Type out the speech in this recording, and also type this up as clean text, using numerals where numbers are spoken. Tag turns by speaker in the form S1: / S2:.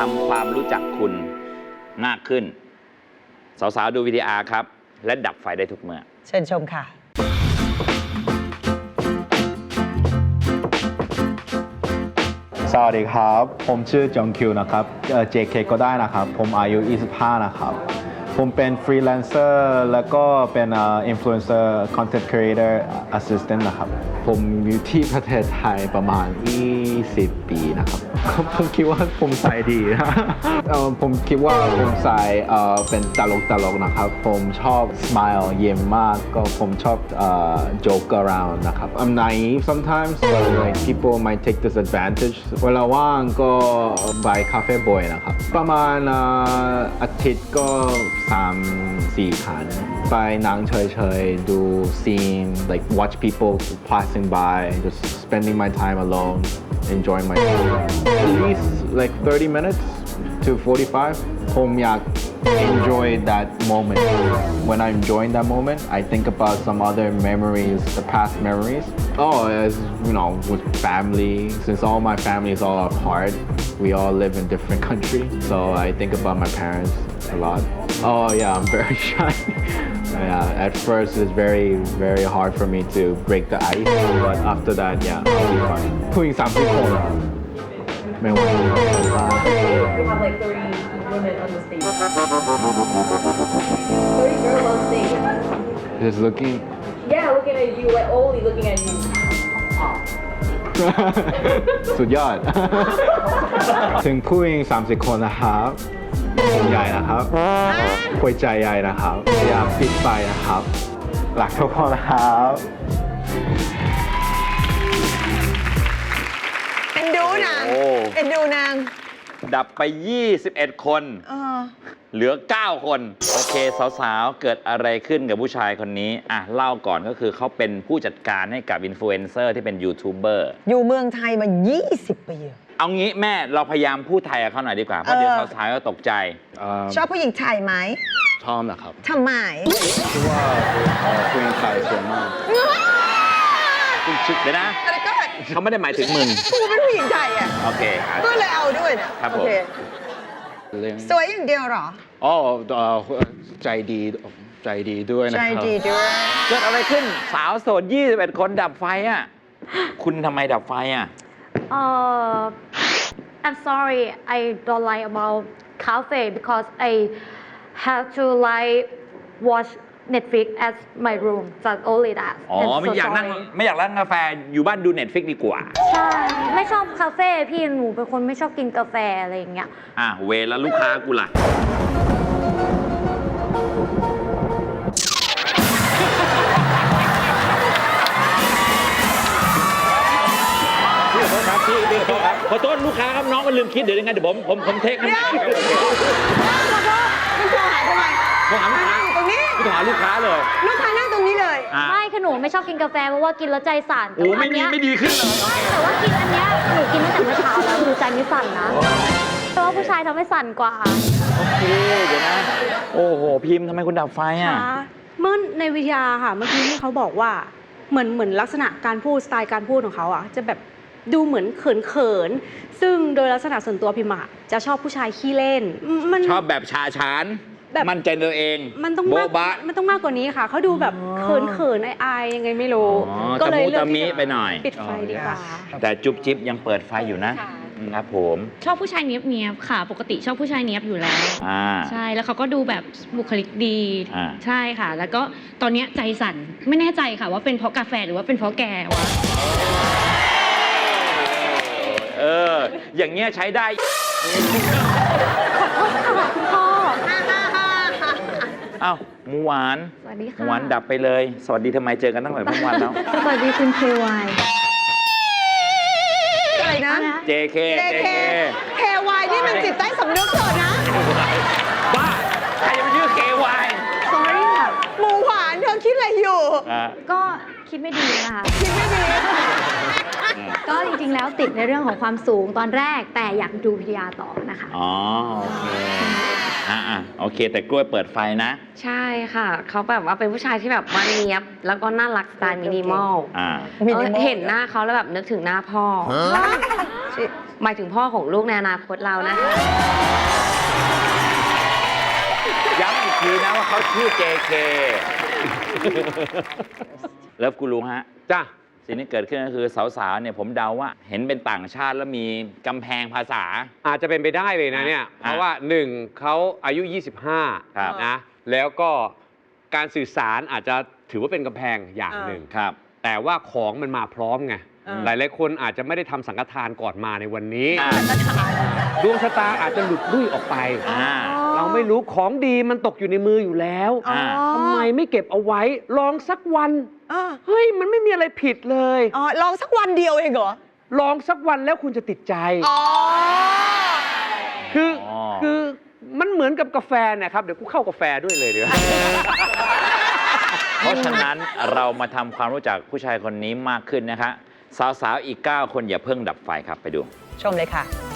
S1: ำความรู้จักคุณมากขึ้นสาวๆดู VTR ครับและดับไฟได้ทุกเมื่อ
S2: เชิญชมค่ะ
S3: สวัสดีครับผมชื่อจงคิวนะครับJK ก็ได้นะครับผมอายุ25นะครับผมเป็นฟรีแลนเซอร์แล้วก็เป็นอินฟลูเอนเซอร์คอนเทนต์ครีเอเตอร์แอสซิสแตนต์นะครับผมอยู่ที่ประเทศไทยประมาณ20 ปีนะครับผมคิดว่าผมใส่ดีนะผมคิดว่าผมใส่เป็นตลกนะครับผมชอบ smile เยี่ยมมากก็ผมชอบ joke around นะครับ I'm naive sometimes but like people might take this advantage เวลาว่างก็ไปคาเฟ่บ่อยนะครับประมาณอาทิตย์ก็3-4 ครั้งไปนั่งเฉยๆดู scene like watch people passing by just spending my time alone enjoying my food at least like 30 minutes to 45ผมอยาก enjoy that moment when I'm enjoying that moment I think about some other memories the past memories as you know with family since all my family is all apart we all live in different countries so I think about my parents a lot oh yeah I'm very shy yeah at first it's very hard for me to break the ice but after that yeah I'll be fine ผู้หญิง30 คนไม่ไหว
S4: We have like 30 women on the stage. 30 girls on stage.
S3: just looking
S4: Yeah, looking at you, like only looking at you.
S3: สุดยอด ถึงผู้หญิง30 คนนะครับผมใหญ่นะครับหัวใจใหญ่นะครับอยากปิดไฟนะครับรักทุกคนนะครับ
S2: เอ็นดูนางเอ็นดูนาง
S1: ดับไป21 คนเหลือ9 คนโอเคสาวๆเกิดอะไรขึ้นกับผู้ชายคนนี้อ่ะเล่าก่อนก็คือเขาเป็นผู้จัดการให้กับอินฟลูเอนเซอร์ที่เป็นยูทูบเบอร์
S2: อยู่เมืองไทยมา20 ปี
S1: เอางี้แม่เราพยายามพูดไทยกับเขาหน่อยดีกว่าเพราะเดี๋ยวสาวๆก็ตกใจ
S2: ชอบผู้หญิงไทยไหม
S3: ชอบนะครับ
S2: ทำไม
S3: คิดว่าผู้หญิงไทยสวยมาก
S1: คุณชิดเลยนะเขาไม่ได้หมายถึงมึง
S2: กูเป็นผู้หญิงไทยอ่ะ
S1: โอเค
S2: ก็เลยเอาด้วยนะครับผมสวยอย่างเดียวหรอ
S3: อ๋อใจดีด้วยนะครับ
S2: ใจดีด้วย
S1: เกิดอะไรขึ้นสาวโสด21 คนดับไฟอ่ะคุณทำไมดับไฟอ่ะ
S5: I'm sorry I don't like about cafe because I have to like watch Netflix at my room just only that
S1: อ๋อไม่อยากนั่งกาแฟอยู่บ้านดู Netflix ดีกว่า
S5: ใช่ไม่ชอบคาเฟ่พี่หนูเป็นคนไม่ชอบกินกาแฟอะไรอย่างเงี้ย
S1: เวลาลูกค้ากูล่ะขอโทษลูกค้าครับน้องมันลืมคิดเดี๋ยวยังไงเดี๋ยวผมเทคให้
S2: มันโทรหาทำไม
S1: โทรหาลูกค้า
S2: ตรงนี้
S1: โทรหาลูกค้าเลย
S2: ลูกค้านั่งตรงนี้เลย
S5: ไม่คือหนูไม่ชอบกินกาแฟเพราะว่ากินแล้วใจสั่น
S1: โอ้ไม่ดีขึ้นเลย
S5: แต่ว่ากินอันเนี้ยหนูกินตั้งแต่เมื่อเช้าแล้วหนูใจไม่สั่นนะเพราะว่าผู้ชายทำให้สั่นกว่า
S1: โอเคเดี๋ยวนะโอ้โหพิมพ์ทำไมคุณดับไฟอ่ะ
S6: เมื่อในวิทยาค่ะเมื่อกี้ที่เขาบอกว่าเหมือนลักษณะการพูดสไตล์การพูดของเขาอ่ะจะแบบดูเหมือนเขินซึ่งโดยลักษณะส่วนตัวพิมจะชอบผู้ชายขี้เล่น
S1: ชอบแบบชาชานมั่นใจตัวเอง
S6: มันต้องมากกว่านี้ค่ะเขาดูแบบเขินอายยังไงไม่รู้
S1: ก็เลยเลือกที่
S6: จะ
S1: ไปหน่อย
S6: ปิดไฟดีกว่า
S1: แต่จุ๊บจิ๊บยังเปิดไฟอยู่นะครับผม
S7: ชอบผู้ชายเนี้ยบค่ะปกติชอบผู้ชายเนี้ยบอยู่แล้วใช่แล้วเขาก็ดูแบบบุคลิกดีใช่ค่ะแล้วก็ตอนนี้ใจสั่นไม่แน่ใจค่ะว่าเป็นเพราะกาแฟหรือว่าเป็นเพราะแกวะ
S1: อย่างเงี้ยใช้ได้
S5: ขอโทษค่ะคุณพ่อ
S1: อ้าวหมูหวาน
S5: สวัสดีค่ะ
S1: หมูหวานดับไปเลยสวัสดีทำไมเจอกันตั้งแต่เมื่อวานแล้ว
S5: สวัสดีคุณ KY
S2: อะไรนะ
S1: JK
S2: KY นี่มันจิตใต้สำนึกเถอะนะ
S1: บ้าใครจะไปชื่อ KY
S2: sorry ค่ะหมูหวานเธอคิดอะไรอยู่
S5: ก็คิดไม่ดีนะคะ
S2: คิดไม่ดี
S5: ก็จริงๆแล้วติดในเรื่องของความสูงตอนแรกแต่อยากดูพิทยาต่อนะคะ
S1: อ๋อโอเคโอเคแต่กล้วยเปิดไฟนะ
S8: ใช่ค่ะเขาแบบว่าเป็นผู้ชายที่แบบว่าเนียบแล้วก็น่ารักสไตล์มินิมอลเห็นหน้าเขาแล้วแบบนึกถึงหน้าพ่อหมายถึงพ่อของลูกในอนาคตเรานะคะ
S1: ย้ำอีกทีนะว่าเขาชื่อ JK เลิฟกูรู้ฮะ
S9: จ้ะ
S1: สิ่งที่เกิดขึ้นก็คือสาวๆ เนี่ยผมเดาว่าเห็นเป็นต่างชาติแล้วมีกำแพงภาษา
S9: อาจจะเป็นไปได้เลยนะเนี่ย เพราะว่าหนึ่งเขาอายุ
S1: ครับ
S9: 25 นะ แล้วก็การสื่อสารอาจจะถือว่าเป็นกำแพงอย่างหนึ่ง
S1: ครับ
S9: แต่ว่าของมันมาพร้อมไง หลายๆคนอาจจะไม่ได้ทำสังฆทานก่อนมาในวันนี้ ดวงชะตาอาจจะหลุดลุ่ยออกไป เราไม่รู้ของดีมันตกอยู่ในมืออยู่แล้ว
S2: อ๋อ
S9: ทำไมไม่เก็บเอาไว้ ลองสักวัน เฮ้ย มันไม่มีอะไรผิดเลย
S2: อ๋อลองสักวันเดียวเองเหรอ
S9: ลองสักวันแล้วคุณจะติดใจ
S2: อ๋อ
S9: คือมันเหมือนกับกาแฟนะครับ เดี๋ยวกูเข้ากาแฟด้วยเลยเดี๋ยว
S1: เพราะฉะนั้นเรามาทำความรู้จักผู้ชายคนนี้มากขึ้นนะคะ สาวๆ อีก 9 คนอย่าเพิ่งดับไฟครับไปดู
S2: ชมเลยค่ะ